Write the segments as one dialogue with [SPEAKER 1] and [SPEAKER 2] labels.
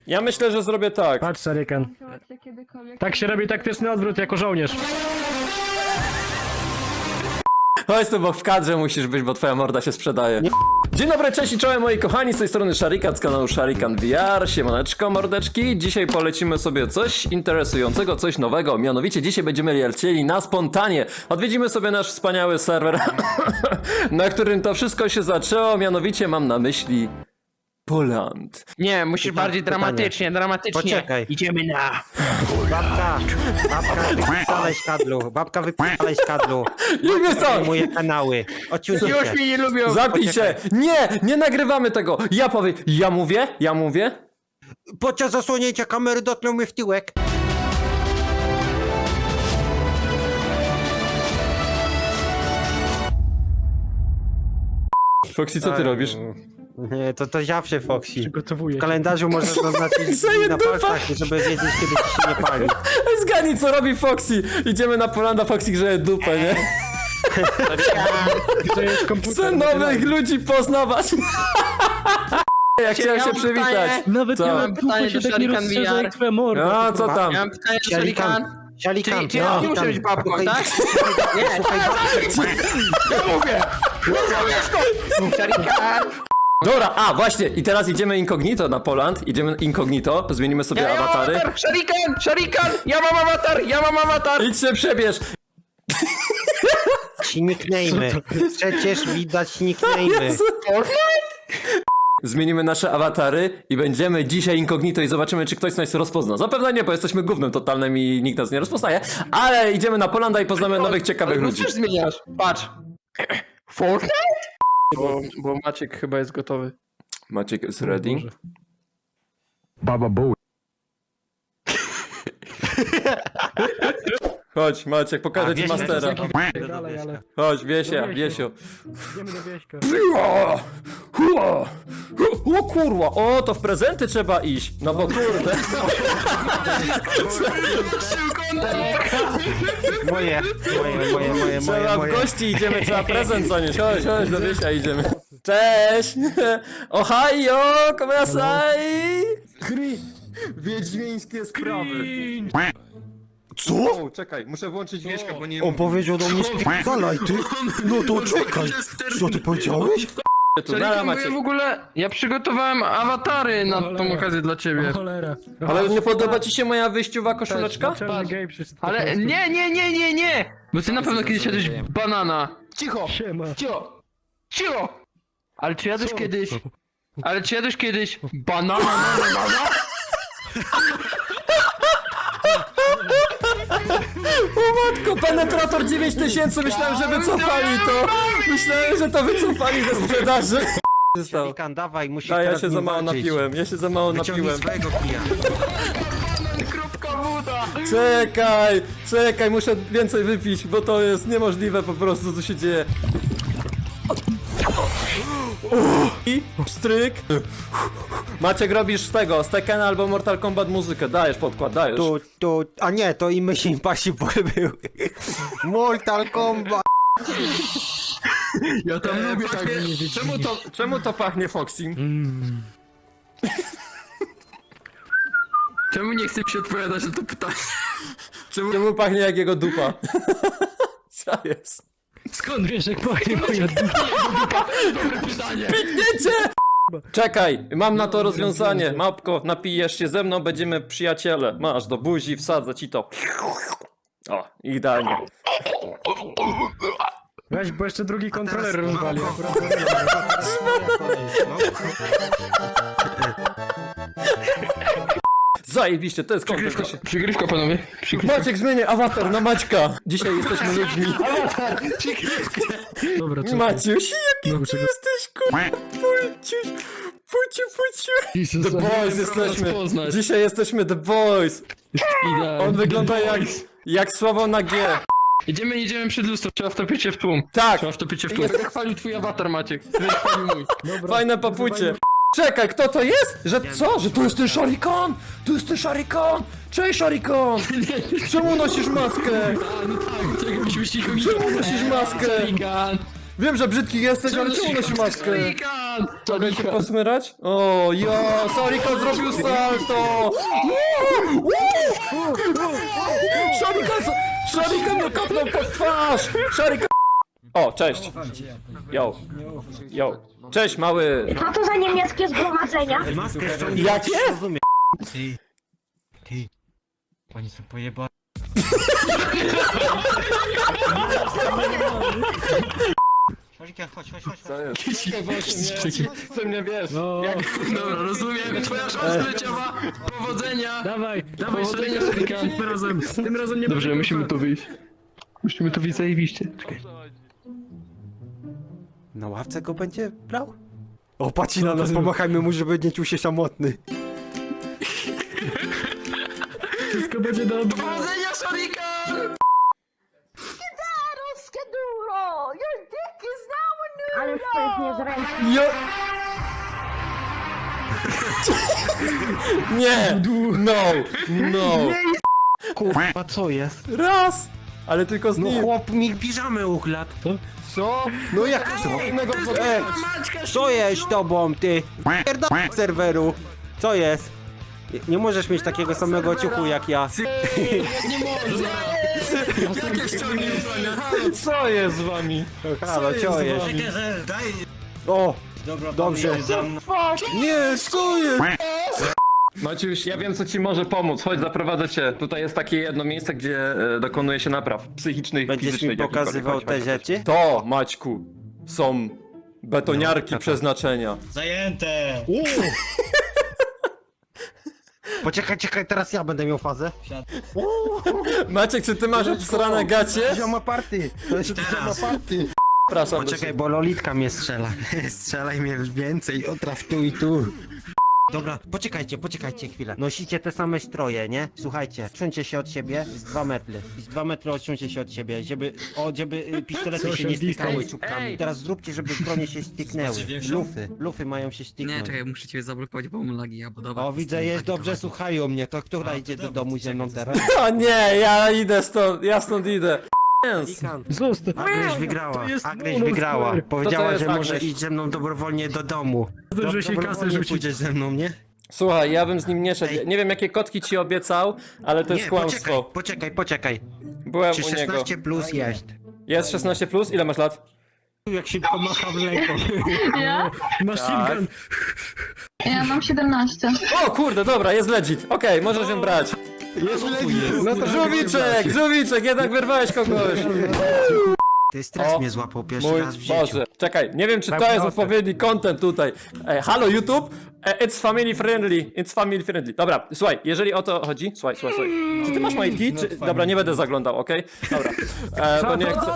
[SPEAKER 1] Ja myślę, że zrobię tak.
[SPEAKER 2] Patrz, Shuriken. Tak się robi taktyczny odwrót jako żołnierz.
[SPEAKER 1] Chodź tu, bo w kadrze musisz być, bo twoja morda się sprzedaje. Dzień dobry, cześć i czołem moi kochani, z tej strony Sharikan z kanału Sharikan VR. Siemaneczko, mordeczki. Dzisiaj polecimy sobie coś interesującego, coś nowego. Mianowicie dzisiaj będziemy lecieli na spontanie. Odwiedzimy sobie nasz wspaniały serwer, na którym to wszystko się zaczęło. Mianowicie mam na myśli Poland.
[SPEAKER 3] Nie, musisz bardziej dramatycznie.
[SPEAKER 4] Poczekaj.
[SPEAKER 3] Idziemy na...
[SPEAKER 4] Babka wypalaj z kadlu. Babka wypalaj z kadlu.
[SPEAKER 1] Lubię to!
[SPEAKER 4] Moje kanały. Odciąć
[SPEAKER 3] Już
[SPEAKER 4] się.
[SPEAKER 3] mnie nie lubią.
[SPEAKER 1] Zapij się! Nie nagrywamy tego! Ja powiem, ja mówię.
[SPEAKER 4] Podczas zasłonięcia kamery dotknął mnie w tyłek.
[SPEAKER 1] Foxy, co ty robisz?
[SPEAKER 4] Nie, to zawsze Foxy.
[SPEAKER 2] Przygotowuję
[SPEAKER 4] W
[SPEAKER 2] się.
[SPEAKER 4] kalendarzu możesz zaznaczyć
[SPEAKER 1] Zaję
[SPEAKER 4] na
[SPEAKER 1] dupa.
[SPEAKER 4] palcach, żeby wiedzieć, kiedy ci się nie pali.
[SPEAKER 1] Zgadnij, co robi Foxy! Idziemy na Polanda, Foxy grzeje dupę, nie?
[SPEAKER 2] To jest komputer.
[SPEAKER 1] Chcę nowych ludzi poznawać! Ja chciałem się przywitać.
[SPEAKER 2] Nawet
[SPEAKER 1] Co?
[SPEAKER 2] nie
[SPEAKER 3] Mam
[SPEAKER 2] mam
[SPEAKER 3] pytanie
[SPEAKER 2] dupy się
[SPEAKER 3] do
[SPEAKER 2] tak nie
[SPEAKER 3] Shuriken
[SPEAKER 2] rozszerza
[SPEAKER 3] VR.
[SPEAKER 2] jak twoja morda.
[SPEAKER 1] No, co tam?
[SPEAKER 3] Ja mam pytanie do Shurikan.
[SPEAKER 4] Sialikan.
[SPEAKER 3] Czy ja nie muszę być babką, tak? Nie, ja mówię! Shurikan!
[SPEAKER 1] Dobra, właśnie, i teraz idziemy incognito na Poland. Idziemy incognito, zmienimy sobie
[SPEAKER 3] Ja mam
[SPEAKER 1] awatary.
[SPEAKER 3] awatar! Shurikan! Ja mam awatar!
[SPEAKER 1] Idź się przebierz!
[SPEAKER 4] Ci nicknamy. Przecież widać nicknamy.
[SPEAKER 1] Zmienimy nasze awatary i będziemy dzisiaj incognito i zobaczymy, czy ktoś nas rozpozna. Zapewne nie, bo jesteśmy gównem totalnym i nikt nas nie rozpoznaje, ale idziemy na Polanda i poznamy nowych, ciekawych
[SPEAKER 3] Ale
[SPEAKER 1] ludzi.
[SPEAKER 3] też zmieniasz. Patrz. Fortnite? Bo Maciek chyba jest gotowy.
[SPEAKER 1] Maciek is ready.
[SPEAKER 2] Baba Bowie.
[SPEAKER 1] Chodź, Maciek, pokażę ci mastera.
[SPEAKER 2] Dalej, ale
[SPEAKER 1] Chodź, Wiesio.
[SPEAKER 2] idziemy do wieśka.
[SPEAKER 1] O kurwa, o to w prezenty trzeba iść. No bo kurde.
[SPEAKER 4] Moje.
[SPEAKER 1] Trzeba w gości idziemy, trzeba prezent zanieść. Chodź, do Wiesia idziemy. Cześć! Ohio, komiasai! Wiedźmińskie sprawy.
[SPEAKER 4] Co?
[SPEAKER 1] Czekaj, muszę włączyć Wieśka, bo nie...
[SPEAKER 4] On powiedział do mnie spierdalaj ty. No to czekaj. Co ty powiedziałeś?
[SPEAKER 1] Tu, nara,
[SPEAKER 3] Shurikan, bo ja
[SPEAKER 1] Maciek.
[SPEAKER 3] w ogóle... Ja przygotowałem awatary na tą okazję dla ciebie.
[SPEAKER 2] Cholera.
[SPEAKER 1] Ale nie podoba ci się moja wyjściowa koszuleczka?
[SPEAKER 2] Czarny gej przyszedł.
[SPEAKER 3] Ale nie! Bo ty na pewno kiedyś jadłeś banana. Cicho!
[SPEAKER 2] Siema.
[SPEAKER 3] Cicho! Ale czy jadłeś kiedyś banana?
[SPEAKER 1] O matko, penetrator 9000, myślałem, że wycofali to. Myślałem, że to wycofali ze sprzedaży. Co się stało?
[SPEAKER 4] Sialikan, dawaj, musisz
[SPEAKER 1] A ja
[SPEAKER 4] teraz
[SPEAKER 1] się
[SPEAKER 4] nim
[SPEAKER 1] za mało
[SPEAKER 4] walczyć.
[SPEAKER 1] napiłem,
[SPEAKER 4] Wyciągnij swojego kija.
[SPEAKER 3] Kropka woda!
[SPEAKER 1] Czekaj, muszę więcej wypić, bo to jest niemożliwe po prostu, co się dzieje. I stryk. Maciek, robisz z tego, z Tekkena albo Mortal Kombat muzykę, dajesz podkład, dajesz.
[SPEAKER 4] A nie, to i Mission Impossible był. Mortal Kombat.
[SPEAKER 3] Ja tam lubię tak
[SPEAKER 1] Czemu to pachnie Foxy?
[SPEAKER 3] Czemu nie chcę ci odpowiadać na to pytanie?
[SPEAKER 1] Czemu pachnie jak jego dupa? Co jest?
[SPEAKER 2] Skąd wiesz, jak pachnie moja dupa?
[SPEAKER 3] Pytanie!
[SPEAKER 1] Wiecie? Czekaj, mam na to rozwiązanie. Małpko, napijesz się ze mną, będziemy przyjaciele. Masz, do buzi, wsadzę ci to. O, idealnie.
[SPEAKER 2] Weź, bo jeszcze drugi kontroler rozwali. Akurat
[SPEAKER 1] Zajebiście, to jest kontent.
[SPEAKER 3] Przygrywka, panowie.
[SPEAKER 1] Maciek, zmienię awatar na Maćka. Dzisiaj jesteśmy ludźmi.
[SPEAKER 2] Dobra, czekaj.
[SPEAKER 1] Maciuś, jaki
[SPEAKER 2] Dobrze,
[SPEAKER 1] ty jesteś, kurwa. Puciu. The Boys jesteśmy. Dzisiaj jesteśmy The Boys. On wygląda jak słowo na G.
[SPEAKER 3] Jedziemy przed lustro, trzeba wtopić się w tłum.
[SPEAKER 1] Tak.
[SPEAKER 3] Trzeba wtopić się w tłum. Będę chwalił twój awatar, Maciek. Ty będziesz chwalił mój.
[SPEAKER 1] Fajne papucie. Czekaj, kto to jest? Że co? Że to jest ten Shurikan? To jest ten Shurikan! Cześć Shurikan! Czemu nosisz maskę?
[SPEAKER 3] No tak, czekaj, musimy ścigać.
[SPEAKER 1] Czemu nosisz maskę?
[SPEAKER 3] Shurikan!
[SPEAKER 1] Wiem, że brzydki jesteś, ale czemu nosisz maskę?
[SPEAKER 3] Shurikan!
[SPEAKER 2] Sharikan!
[SPEAKER 1] Mogę cię posmyrać? O, ja, Sharikan zrobił salto! Sharikan mnie kopnął pod twarz! Sharikan... O, cześć! Yo. Yo. Cześć, mały!
[SPEAKER 5] Co to za niemieckie zgromadzenia?
[SPEAKER 4] Maskę ściągnij.
[SPEAKER 1] Jakie?
[SPEAKER 4] Rozumiem. Ty. Pani są pojeba. Szarikan, chodź.
[SPEAKER 3] Co mnie wiesz?
[SPEAKER 2] No,
[SPEAKER 3] Dobra, rozumiem. Twoja szansa leciała. Powodzenia.
[SPEAKER 2] dawaj,
[SPEAKER 3] Powodzenia,
[SPEAKER 2] Sharikan.
[SPEAKER 3] Sharikan.
[SPEAKER 2] Tym razem nie
[SPEAKER 3] Dobrze,
[SPEAKER 2] będzie
[SPEAKER 3] musimy
[SPEAKER 2] kopa.
[SPEAKER 3] tu wyjść. Musimy tu wyjść zajebiście. Czekaj.
[SPEAKER 4] Na ławce go będzie brał? O, patrzy na nas, pomachajmy mu, żeby nie czuł się samotny.
[SPEAKER 2] Wszystko będzie dobrze.
[SPEAKER 3] Powodzenia, Sharikan!
[SPEAKER 5] Ale już to jest niezręczne.
[SPEAKER 1] Jo... Nie! No!
[SPEAKER 4] Kurwa, co jest?
[SPEAKER 1] Raz! Ale tylko z
[SPEAKER 4] No
[SPEAKER 1] nim.
[SPEAKER 4] chłop mi piżamy ukradł.
[SPEAKER 3] Co?
[SPEAKER 4] No jak co? Co jest z tobą, ty? Pierdolę z serweru. Co jest? Nie możesz mieć takiego samego ciuchu jak ja.
[SPEAKER 3] Jakie ściągnięcie?
[SPEAKER 1] Co jest z wami?
[SPEAKER 4] Halo, co jest? O, dobrze. Nie, co jest?
[SPEAKER 1] Maciuś, ja wiem co ci może pomóc. Chodź, zaprowadzę cię. Tutaj jest takie jedno miejsce, gdzie dokonuje się napraw psychicznych,
[SPEAKER 4] Będziesz
[SPEAKER 1] fizycznych.
[SPEAKER 4] mi pokazywał
[SPEAKER 1] jakichkolwiek.
[SPEAKER 4] te
[SPEAKER 1] Chodź, chodź,
[SPEAKER 4] rzeczy?
[SPEAKER 1] To, Maćku, są betoniarki przeznaczenia.
[SPEAKER 6] Zajęte!
[SPEAKER 4] Poczekaj, teraz ja będę miał fazę.
[SPEAKER 1] Maciek, czy ty masz srane gacie?
[SPEAKER 4] Zioma party. To jest zioma party.
[SPEAKER 1] Przepraszam.
[SPEAKER 4] Poczekaj, bo Lolitka mnie strzela. Strzelaj mnie więcej, otraf tu i tu. Dobra, poczekajcie chwilę. Nosicie te same stroje, nie? Słuchajcie, odsuńcie się od siebie z 2 metry. I z 2 metry odsuńcie się od siebie, żeby pistolety się nie
[SPEAKER 2] Social
[SPEAKER 4] stykały
[SPEAKER 2] distance.
[SPEAKER 4] czubkami. Teraz zróbcie, żeby bronie się styknęły. Lufy mają się
[SPEAKER 7] Nie,
[SPEAKER 4] styknąć.
[SPEAKER 7] czekaj, muszę cię zablokować, bo mam lagi, albo dobra.
[SPEAKER 4] O, widzę, jest dobrze, słuchają mnie. To która idzie do domu ze mną teraz?
[SPEAKER 1] O nie, ja idę stąd, ja stąd idę. Yes.
[SPEAKER 2] Zostaw.
[SPEAKER 4] Agryś wygrała,
[SPEAKER 2] jest
[SPEAKER 4] Agryś
[SPEAKER 2] bonus,
[SPEAKER 4] wygrała.
[SPEAKER 2] stary.
[SPEAKER 4] Powiedziała,
[SPEAKER 1] jest
[SPEAKER 4] że może
[SPEAKER 1] Agryś?
[SPEAKER 4] iść ze mną dobrowolnie do domu.
[SPEAKER 2] Dobrze się kasę
[SPEAKER 4] Dobrowolnie
[SPEAKER 2] rzucić.
[SPEAKER 4] pójdziesz ze mną, nie?
[SPEAKER 1] Słuchaj, ja bym z nim nie szedł. Nie wiem jakie kotki ci obiecał, ale to jest
[SPEAKER 4] Nie,
[SPEAKER 1] kłamstwo.
[SPEAKER 4] poczekaj.
[SPEAKER 1] Byłem
[SPEAKER 4] Czy
[SPEAKER 1] u niego.
[SPEAKER 4] 16 plus jest?
[SPEAKER 1] Jest 16 plus? Ile masz lat?
[SPEAKER 4] Jak szybko macha w ręką.
[SPEAKER 8] Ja?
[SPEAKER 2] Machine gun.
[SPEAKER 8] Ja mam 17.
[SPEAKER 1] O kurde, dobra, jest legit. Okej, możesz ją brać.
[SPEAKER 4] Jest
[SPEAKER 1] No to żółwiczek, jednak wyrwałeś kogoś.
[SPEAKER 4] Ty stres
[SPEAKER 1] O,
[SPEAKER 4] mnie złapał pierwszy
[SPEAKER 1] Mój
[SPEAKER 4] raz w życiu.
[SPEAKER 1] Boże. Czekaj, nie wiem czy to jest odpowiedni content tutaj. Halo YouTube, it's family friendly. Dobra, słuchaj, jeżeli o to chodzi, słuchaj. Czy ty masz majtki? Czy... Dobra, nie będę zaglądał, okej? Dobra. Bo nie chcę...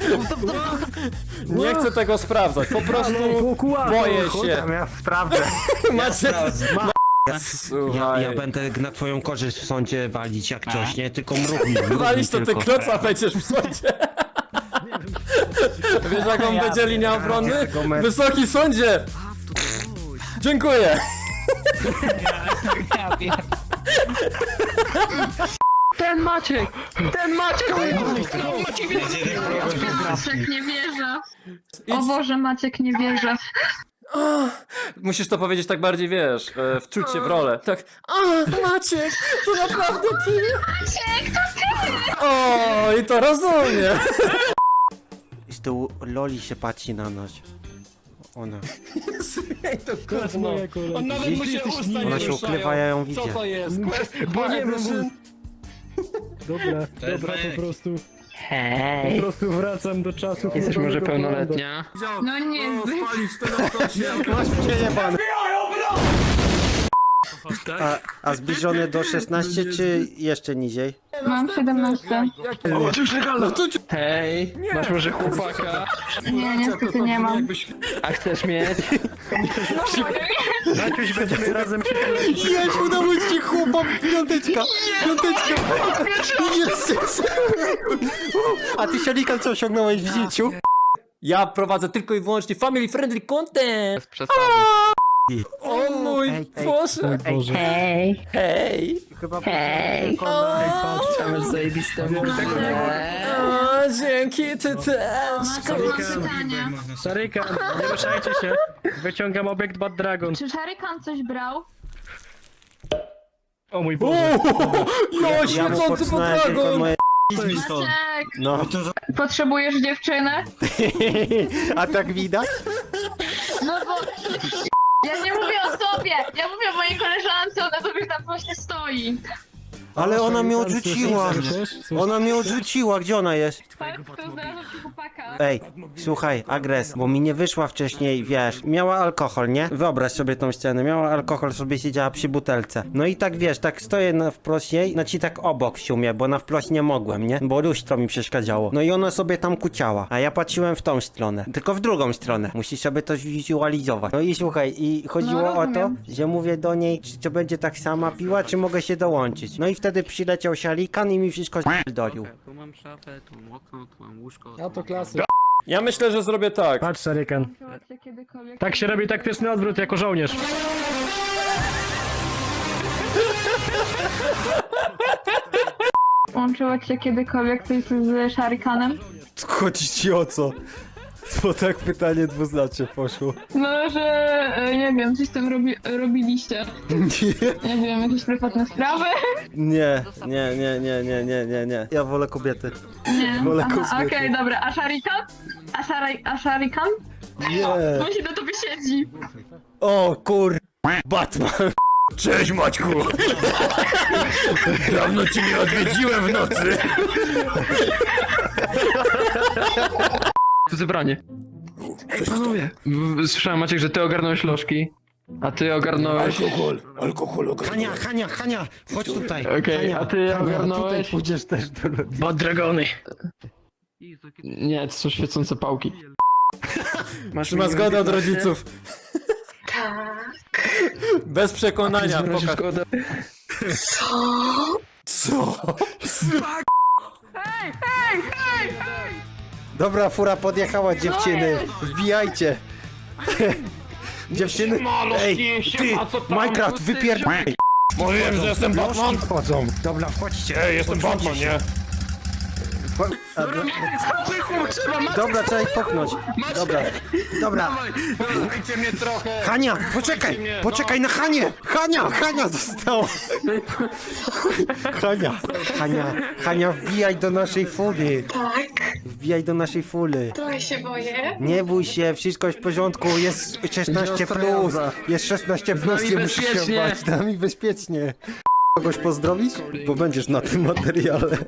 [SPEAKER 1] Nie chcę tego sprawdzać, po prostu boję się.
[SPEAKER 4] Tam ja sprawdzę.
[SPEAKER 1] Macie...
[SPEAKER 4] Ja będę na twoją korzyść w sądzie walić jak coś, nie? Tylko mrówni
[SPEAKER 1] Walić to ty
[SPEAKER 4] tylko.
[SPEAKER 1] kloca będziesz w sądzie. Wiesz jaką będzie linia obrony? Wysoki sądzie! Dziękuję!
[SPEAKER 3] Ten Maciek!
[SPEAKER 8] Maciek nie wierzę. O Boże, Maciek nie wierzę.
[SPEAKER 1] Musisz to powiedzieć tak bardziej, wiesz, wczuć się w rolę. Tak, Maciek, to naprawdę ty?
[SPEAKER 8] Maciek, to ty!
[SPEAKER 1] O, i to rozumiem.
[SPEAKER 4] Z tyłu Loli się patrzy na nas. Ona.
[SPEAKER 2] Klas moja kolej.
[SPEAKER 3] On nawet mu się usta nie
[SPEAKER 4] Ona się
[SPEAKER 3] ruszają.
[SPEAKER 4] ukrywa, ja ją
[SPEAKER 3] Co
[SPEAKER 4] widzę.
[SPEAKER 3] to jest?
[SPEAKER 2] Bo nie wiem, Dobra, po prostu. Po prostu wracam do czasów.
[SPEAKER 3] Jesteś może
[SPEAKER 2] Nowego
[SPEAKER 3] pełnoletnia?
[SPEAKER 8] No nie,
[SPEAKER 4] A zbliżone do 16 czy jeszcze niżej?
[SPEAKER 8] mam 17.
[SPEAKER 3] Hej, masz może chłopaka?
[SPEAKER 8] Nie, niestety nie mam.
[SPEAKER 3] A chcesz mieć?
[SPEAKER 2] Maciuś, będziemy razem przy
[SPEAKER 4] Jest, udało ci chłopak, piąteczka! Jest! A ty Sharikan co osiągnąłeś w życiu?
[SPEAKER 1] Ja prowadzę tylko i wyłącznie family friendly content. O mój
[SPEAKER 4] Ej, ej.
[SPEAKER 1] Boże.
[SPEAKER 2] Boże.
[SPEAKER 1] Hej.
[SPEAKER 4] Chyba
[SPEAKER 8] Hej.
[SPEAKER 3] Patrz, tam jest zajebiste.
[SPEAKER 1] dzięki, ty też.
[SPEAKER 8] Mam pytanie.
[SPEAKER 2] Szarykan, nie ruszajcie się. Wyciągam obiekt Bad Dragon.
[SPEAKER 8] Czy Szarykan coś brał?
[SPEAKER 2] O mój Boże.
[SPEAKER 1] Jo,
[SPEAKER 4] mu
[SPEAKER 1] świecący
[SPEAKER 4] podsnąłem tylko
[SPEAKER 1] podragon!
[SPEAKER 4] moje
[SPEAKER 8] Maciek,
[SPEAKER 4] No.
[SPEAKER 8] potrzebujesz dziewczynę?
[SPEAKER 4] A tak widać?
[SPEAKER 8] No bo... Ja nie mówię o sobie, ja mówię o mojej koleżance, ona sobie tam właśnie stoi.
[SPEAKER 4] Ale ona mnie
[SPEAKER 2] Szarikan,
[SPEAKER 4] odrzuciła.
[SPEAKER 2] słyszysz?
[SPEAKER 4] Ona mnie odrzuciła, gdzie ona jest?
[SPEAKER 8] Tak, to znalazłam ci chłopaka.
[SPEAKER 4] Ej, słuchaj, Agres, bo mi nie wyszła wcześniej, wiesz, miała alkohol, nie? Wyobraź sobie tą scenę, miała alkohol, sobie siedziała przy butelce. No i tak, wiesz, tak stoję wprost jej, znaczy tak obok w sumie, bo na wprost nie mogłem, nie? Bo lustro mi przeszkadzało. No i ona sobie tam kuciała, a ja patrzyłem w tą stronę, tylko w drugą stronę. Musisz sobie to zwizualizować. No i słuchaj, i chodziło
[SPEAKER 8] No,
[SPEAKER 4] o to,
[SPEAKER 8] rozumiem.
[SPEAKER 4] że mówię do niej, czy będzie tak sama piła, czy mogę się dołączyć. No i wtedy przyleciał Szarikan i mi wszystko dolił.
[SPEAKER 7] Tu mam szafę, tu mam okno, tu mam łóżko.
[SPEAKER 2] A to klasy.
[SPEAKER 1] Ja myślę, że zrobię tak.
[SPEAKER 2] Patrz, Szarykan.
[SPEAKER 8] Łączyła cię kiedykolwiek...
[SPEAKER 2] Tak się robi taktyczny odwrót jako żołnierz.
[SPEAKER 8] Łączyło cię kiedykolwiek coś z Szarykanem?
[SPEAKER 4] Chodzi ci o co? Bo tak pytanie dwuznacznie poszło.
[SPEAKER 8] No, że nie wiem, coś tam robiliście. Nie wiem, jakieś prywatne sprawy?
[SPEAKER 4] Nie. Ja wolę kobiety.
[SPEAKER 8] Nie.
[SPEAKER 4] Wolę
[SPEAKER 8] Aha,
[SPEAKER 4] kobiety.
[SPEAKER 8] okej, dobra. A Szarikan? A Szarikan?
[SPEAKER 4] Nie.
[SPEAKER 8] On się na tobie siedzi.
[SPEAKER 4] O kur... Batman.
[SPEAKER 1] Cześć Maćku! Dawno cię nie odwiedziłem w nocy.
[SPEAKER 3] To zebranie. Ej, panowie! Słyszałem, Maciek, że ty ogarnąłeś lożki, a ty ogarnąłeś...
[SPEAKER 4] Hania, chodź tutaj.
[SPEAKER 3] Okej,
[SPEAKER 4] Hania,
[SPEAKER 3] a ty
[SPEAKER 4] Hania,
[SPEAKER 3] ogarnąłeś-
[SPEAKER 4] tutaj pójdziesz też do ludzi.
[SPEAKER 2] Bad Dragony.
[SPEAKER 3] Nie, to są świecące pałki. Masz
[SPEAKER 1] Czy ma zgodę od rodziców?
[SPEAKER 5] Tak.
[SPEAKER 1] Bez przekonania,
[SPEAKER 3] Masz
[SPEAKER 1] pokaż.
[SPEAKER 3] zgodę.
[SPEAKER 1] Co?
[SPEAKER 4] Dobra, fura podjechała, dziewczyny.
[SPEAKER 8] No
[SPEAKER 4] Wbijajcie. Dziewczyny, ej, ty, Minecraft, wypierdaj.
[SPEAKER 1] Mówiłem, że jestem Batman.
[SPEAKER 4] Wchodzą. Dobra, wchodźcie.
[SPEAKER 1] Ej, jestem Batman, nie?
[SPEAKER 4] Dobra, trzeba ich popchnąć. Dobra.
[SPEAKER 1] Dajcie mnie trochę.
[SPEAKER 4] Hania, poczekaj na Hanię. Hania została. Hania, wbijaj do naszej fury.
[SPEAKER 5] Tak.
[SPEAKER 4] Wbijaj do naszej fury.
[SPEAKER 5] Trochę się boję.
[SPEAKER 4] Nie bój się, wszystko jest w porządku, jest 16 plus, jest 16 plus, nie musisz się
[SPEAKER 3] bezpiecznie.
[SPEAKER 4] bać, da mi bezpiecznie. Kogoś pozdrowić? Bo będziesz na tym materiale.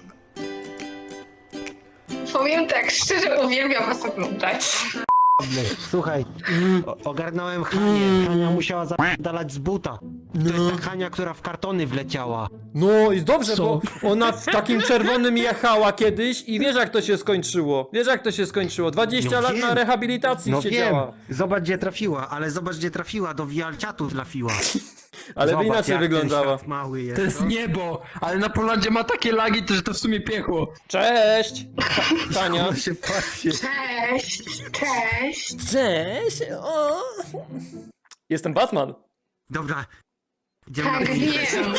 [SPEAKER 5] Powiem tak, szczerze uwielbiam was oglądać.
[SPEAKER 4] Słuchaj, ogarnąłem Hanię, Hania musiała zapadalać z buta. To jest ta Hania, która w kartony wleciała.
[SPEAKER 1] No i dobrze, bo ona w takim czerwonym jechała kiedyś i wiesz jak to się skończyło. 20
[SPEAKER 4] No
[SPEAKER 1] lat
[SPEAKER 4] wiem.
[SPEAKER 1] na rehabilitacji
[SPEAKER 4] No wiem,
[SPEAKER 1] siedziała.
[SPEAKER 4] zobacz gdzie trafiła, ale zobacz gdzie trafiła, do wialciatu trafiła.
[SPEAKER 1] Ale by
[SPEAKER 4] Zobacz,
[SPEAKER 1] inaczej
[SPEAKER 4] jak ten
[SPEAKER 1] wyglądała.
[SPEAKER 4] świat mały jest.
[SPEAKER 3] To jest niebo, ale na Polandzie ma takie lagi, że to w sumie piekło.
[SPEAKER 1] Cześć! Tania.
[SPEAKER 4] się patrzy.
[SPEAKER 5] Cześć, cześć.
[SPEAKER 1] Cześć! O. Jestem Batman.
[SPEAKER 4] Dobra. Idziemy na
[SPEAKER 5] Tak,
[SPEAKER 4] chwilę.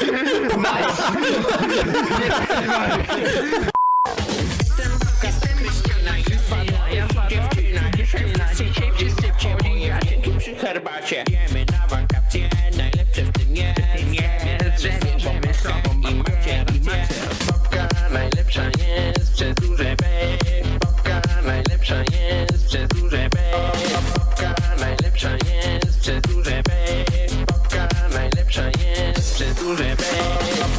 [SPEAKER 6] Przy herbacie jemy na wakacje, najlepsze w tym jest że sobą i macie rację. Babka najlepsza jest przez duże B. Babka najlepsza jest przez duże B. Babka najlepsza jest przez duże B. Babka najlepsza jest przez duże B.